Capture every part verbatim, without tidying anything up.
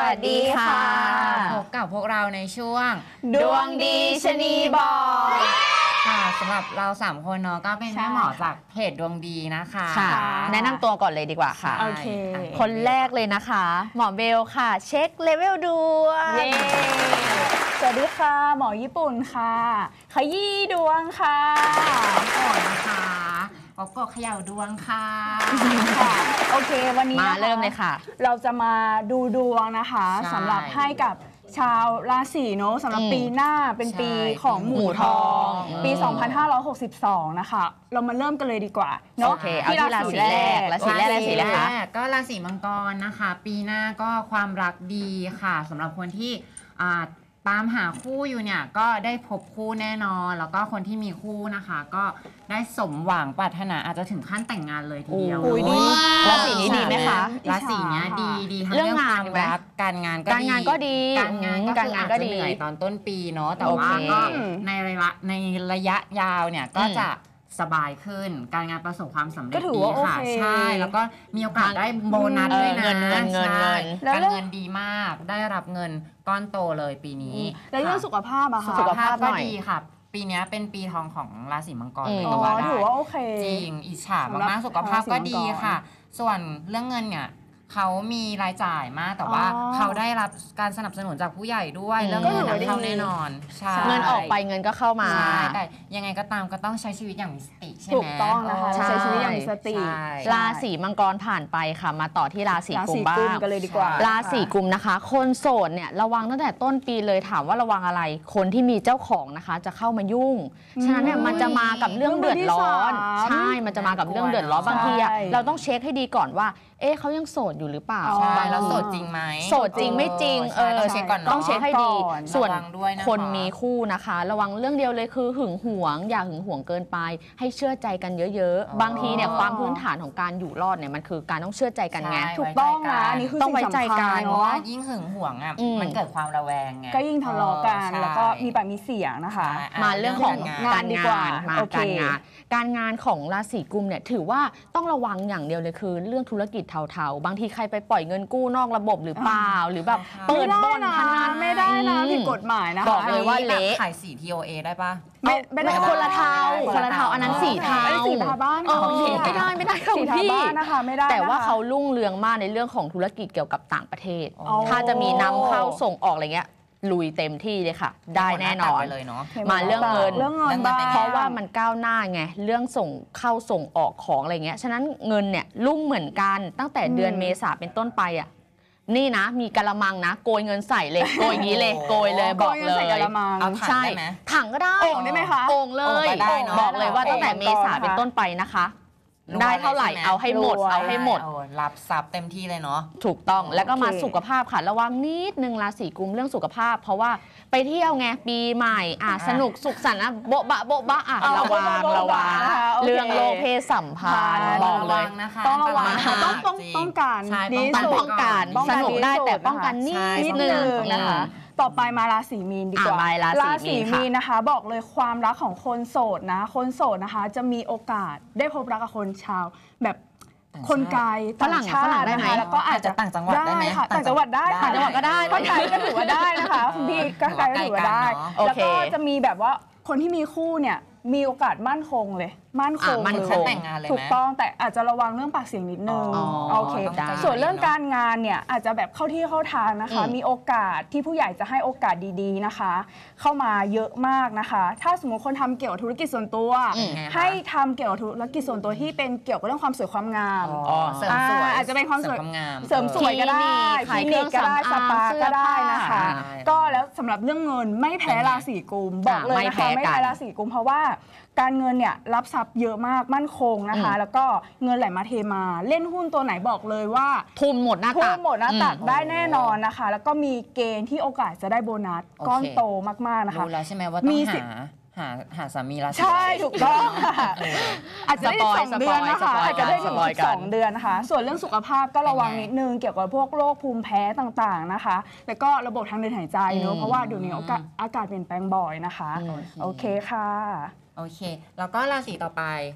วัสดีค่ะพบกับพวกเราในช่วงดวงดีชะนีบอกค่ะสำหรับเราสามคนเนาะก็เป็นแม่หมอจากเพจดวงดีนะคะค่ะแนะนำตัวก่อนเลยดีกว่าค่ะโอเคคนแรกเลยนะคะหมอเบลค่ะเช็คเลเวลดวงสวัสดีค่ะหมอญี่ปุ่นค่ะขยี้ดวงค่ะก่อนนะคะปกกเขย่าดวงค่ะค่ะโอเควันนี้มาเริ่มเลยค่ะเราจะมาดูดวงนะคะสำหรับให้กับชาวราศีเนาะสำหรับปีหน้าเป็นปีของหมูทองปีสองพันห้าร้อยหกสิบสองนะคะเรามาเริ่มกันเลยดีกว่าเนาะที่ราศีแรกราศีแรกราศีแรกก็ราศีมังกรนะคะปีหน้าก็ความรักดีค่ะสำหรับคนที่ตามหาคู่อยู่เนี่ยก็ได้พบคู่แน่นอนแล้วก็คนที่มีคู่นะคะก็ได้สมหวังปรารถนาอาจจะถึงขั้นแต่งงานเลยทีเดียวราศีนี้ดีไหมคะราศีนี้ดีดีทั้งเรื่องความรักการงานก็ดีการงานก็ดีการงานการงานก็ดีเหนื่อยตอนต้นปีเนาะแต่ว่าก็ในระยะในระยะยาวเนี่ยก็จะสบายขึ้นการงานประสบความสำเร็จดีค่ะใช่แล้วก็มีโอกาสได้โบนัสด้วยนะเงินเงินเงินเงินการเงินดีมากได้รับเงินก้อนโตเลยปีนี้แล้วเรื่องสุขภาพอะค่ะสุขภาพก็ดีค่ะปีนี้เป็นปีทองของราศีมังกรเลยก็ว่าได้ถือว่าโอเคจริงอิจฉามากๆสุขภาพก็ดีค่ะส่วนเรื่องเงินเนี่ยเขามีรายจ่ายมากแต่ว่าเขาได้รับการสนับสนุนจากผู้ใหญ่ด้วยเรื่องเงินเข้าแน่นอนเงินออกไปเงินก็เข้ามาแต่ยังไงก็ตามก็ต้องใช้ชีวิตอย่างมีสติใช่ไหมถูกต้องนะคะใช้ชีวิตอย่างมีสติราศีมังกรผ่านไปค่ะมาต่อที่ราศีกุมบ้างกันเลยดีกว่าราศีกุมนะคะคนโสดเนี่ยระวังตั้งแต่ต้นปีเลยถามว่าระวังอะไรคนที่มีเจ้าของนะคะจะเข้ามายุ่งฉะนั้นเนี่ยมันจะมากับเรื่องเดือดร้อนใช่มันจะมากับเรื่องเดือดร้อนบางทีเราต้องเช็คให้ดีก่อนว่าเอ๊ะเขายังโสดอยู่หรือเปล่าใช่แล้วโสดจริงไหมโสดจริงไม่จริงเออเช็คก่อนต้องเช็คให้ดีส่วนคนมีคู่นะคะระวังเรื่องเดียวเลยคือหึงหวงอย่าหึงหวงเกินไปให้เชื่อใจกันเยอะๆบางทีเนี่ยความพื้นฐานของการอยู่รอดเนี่ยมันคือการต้องเชื่อใจกันไงถูกต้องนะนี่คือต้องไว้ใจกันเพราะว่ายิ่งหึงหวงอ่ะมันเกิดความระแวงไงก็ยิ่งทะเลาะกันแล้วก็มีปากมีเสียงนะคะมาเรื่องของการงานมาการงานการงานของราศีกุมเนี่ยถือว่าต้องระวังอย่างเดียวเลยคือเรื่องธุรกิจเทาๆบางทีใครไปปล่อยเงินกู้นอกระบบหรือเปล่าหรือแบบเปิดบ่อนพนันไม่ได้นะผิดกฎหมายนะคะบอกเลยว่าเละขายสี ที โอ เอ ได้ปะไม่ไม่คนละเทาคนละเทาอันนั้นสีเทาสีทาบ้านไม่ได้ไม่ได้สีทาบ้านนะคะไม่ได้แต่ว่าเขารุ่งเรืองมากในเรื่องของธุรกิจเกี่ยวกับต่างประเทศถ้าจะมีนำเข้าส่งออกอะไรเงี้ยลุยเต็มที่เลยค่ะได้แน่นอนเลยเนาะมาเรื่องเงินเรื่องเงินเพราะว่ามันก้าวหน้าไงเรื่องส่งเข้าส่งออกของอะไรเงี้ยฉะนั้นเงินเนี่ยรุ่งเหมือนกันตั้งแต่เดือนเมษาเป็นต้นไปอ่ะนี่นะมีกะละมังนะโกยเงินใส่เลยโกยอย่างนี้เลยโกยเลยบอกเลยเอาถังได้ไหมถังก็ได้โอ่งได้ไหมคะโอ่งเลยบอกเลยว่าตั้งแต่เมษาเป็นต้นไปนะคะได้เท่าไหร่เอาให้หมดเอาให้หมดรับทรัพย์เต็มที่เลยเนาะถูกต้องแล้วก็มาสุขภาพค่ะระวังนิดนึงราศีกุมเรื่องสุขภาพเพราะว่าไปเที่ยวไงปีใหม่อ่ะสนุกสุขสันต์นะโบ๊ะบะโบ๊ะบะอ่ะระวังระวังเรื่องโรคเพศสัมพันธ์บอกเลยต้องระวังต้องต้องป้องกันนี่ป้องกันสนุกได้แต่ป้องกันนิดนึงนะคะต่อไปมาราศีมีนดีกว่าราศีมีนนะคะบอกเลยความรักของคนโสดนะคนโสดนะคะจะมีโอกาสได้พบรักกับคนชาวแบบคนไกลฝรั่งฝรั่งได้ไหมแล้วก็อาจจะต่างจังหวัดได้ไหมค่ะต่างจังหวัดได้ต่างจังหวัดก็ได้คนไกลก็ถือว่าได้นะคะคุณพี่ก็ไกลก็ถือว่าได้แล้วก็จะมีแบบว่าคนที่มีคู่เนี่ยมีโอกาสมั่นคงเลยมั่นคงเลยแต่งงานเลยถูกต้องแต่อาจจะระวังเรื่องปากเสียงนิดนึงโอเคส่วนเรื่องการงานเนี่ยอาจจะแบบเข้าที่เข้าทางนะคะมีโอกาสที่ผู้ใหญ่จะให้โอกาสดีๆนะคะเข้ามาเยอะมากนะคะถ้าสมมติคนทำเกี่ยวกับธุรกิจส่วนตัวให้ทำเกี่ยวกับธุรกิจส่วนตัวที่เป็นเกี่ยวกับเรื่องความสวยความงามเสริมสวยอาจจะเป็นความสวยเสริมสวยก็ได้คลินิกก็ได้สปาก็ได้นะคะก็แล้วสำหรับเรื่องเงินไม่แพ้ราศีกุมบอกเลยนะคะไม่แพ้ราศีกุมเพราะว่าการเงินเนี่ยรับทรัพย์เยอะมากมั่นคงนะคะแล้วก็เงินไหลมาเทมาเล่นหุ้นตัวไหนบอกเลยว่าทุนหมดหน้าตักทุนหมดหน้าตักได้แน่นอนนะคะแล้วก็มีเกณฑ์ที่โอกาสจะได้โบนัสก้อนโตมากๆนะคะรู้แล้วใช่ไหมว่าต้องหาหาหาสามีราศีใช่ถูกต้องอาจจะได้สองเดือนนะคะอาจจะได้ถึงสองเดือนนะคะส่วนเรื่องสุขภาพก็ระวังนิดนึงเกี่ยวกับพวกโรคภูมิแพ้ต่างๆนะคะแล้วก็ระบบทางเดินหายใจเนอะเพราะว่าเดี๋ยวนี้อากาศเปลี่ยนแปลงบ่อยนะคะโอเคค่ะโอเคแล้วก็ราศีต่อไป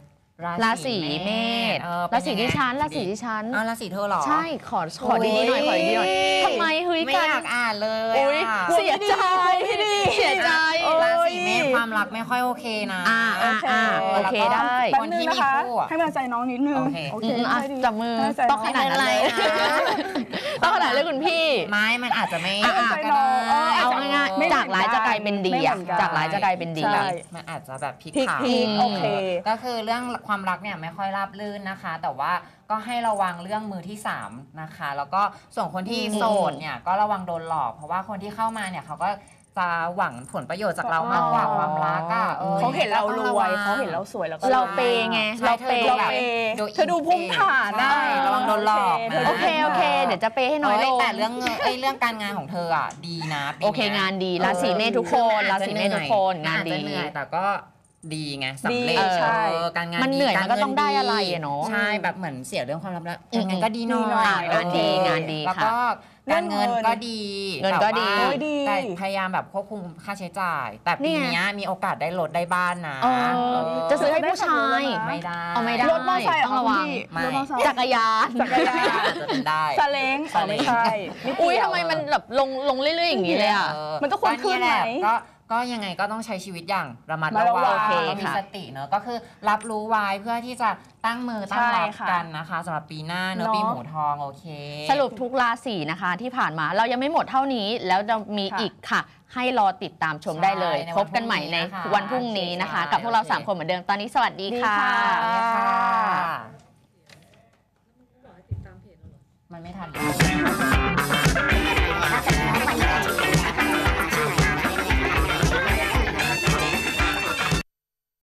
ราศีเมษเออราศีเป็นยังไงดิฉันราศีดิฉันอ้าวราศีเธอเหรอใช่ขอขอดีๆหน่อยขอดีๆหน่อยทำไมเฮ้ยไม่กันอยากอ่านเลยอุ๊ยอะเสียใจเสียใจราศีเมษความรักไม่ค่อยโอเคนะอ่าอ่าอ่าโอเคได้แป๊บคนนึที่งมีนะคะคู่อะให้กำลังใจน้องนิดนึงโอเคโออืเคมอ่ะค่อยดีจับมือให้กำลังใจต้องขนาดนั้นเลยไม่เป็นไรนะต้องขนาดเลยคุณพี่ไม้มันอาจจะไม่อ่ะอ่ะก็ได้เอาง่ายไม่ๆเหมือนกันจากร้ายจะกลายเป็นดีไม่เหมือะอนกันจากร้ายจะกลายเป็นดีใช่มันอาจจะแบบพลิกพลิกผันพลิกโอเคก็คือเรื่องความรักเนี่ยไม่ค่อยราบรื่นนะคะ แต่ว่าก็ให้ระวังเรื่องมือที่สามนะคะ แล้วก็ส่วนคนที่อืมโสดเนี่ยก็ระวังโดนหลอก เพราะว่าคนที่เข้ามาเนี่ยเขาก็จะหวังผลประโยชน์จากเรามากกว่าความรักอ่ะออเขาเห็นเรารต้องะววัยงเขาเห็นเราสวยแล้วก็เราเปย์ไงใช่เราเปย์ธอเราแบบเปย์ดูเธอดูภูมิฐานนะใช่ระวังโดนหลอกนะโอเคโอเค เดี๋ยวจะเปย์ให้น้อยลเอ้งแต่เรื่องเงินเอ้ยเรื่องการงานของเธออ่ะดีนะปีโอเคนี้ยงานดีราศีเมษทุกคนราศีเมษทุกคนงานอาจดีจะเหนื่อยแต่ก็ดีไงสำเร็จดีใช่เออการงานมันเหนื่อยดีมันก็ต้องได้อะไรอะเนาะใช่แบบเหมือนเสียเรื่องความรักแล้วอืมการงานก็ดีหน่ดีหน่ออยยงานดีงานดีแล้วค่ะก็การเงินก็ดีเงินก็ดีแต่ว่าโอ้ยดีแต่พยายามแบบควบคุมค่าใช้จ่าย แต่ปีเนี่ยเนี้ยมีโอกาสได้ลดได้บ้านนะเออเออจะซื้อให้ผู้ชายไม่ได้เอาไม่ได้รถมอเตอร์ไซค์เหต้องระวังไม่รถมอเตอร์ไซค์จักรยานจักรยานจะเป็นได้ซาเล้งอ๋อไม่ใช่ไม่เกี่วอุ้ยทำไมมันแบบลงลงเรื่อยๆอย่างนี้เลยอ่ะเออมันต้องควรขึ้นไหมก็เยแหละก็ก็ยังไงก็ต้องใช้ชีวิตอย่างระมัดระระวัวังงโอเคก็มีค่ะสติเนอะก็คือรับรู้ไว้เพื่อที่จะตั้งมือตั้งรับใช่ค่ะกันนะคะสำหรับปีหน้าเนอะเนอะปีหมูทองโอเคสรุปทุกราศีนะคะที่ผ่านมาเรายังไม่หมดเท่านี้แล้วจะมีค่ะอีกค่ะ ให้รอติดตามชมได้เลยใช่ในวันพบกันใหม่ในพรุ่งนี้นะคะวันพรุ่งนี้นะคะใช่กับพวกเราโอเคสามคนเหมือนเดิมตอนนี้สวัสดีดีค่ะค่ะค่ะมันไม่ทัน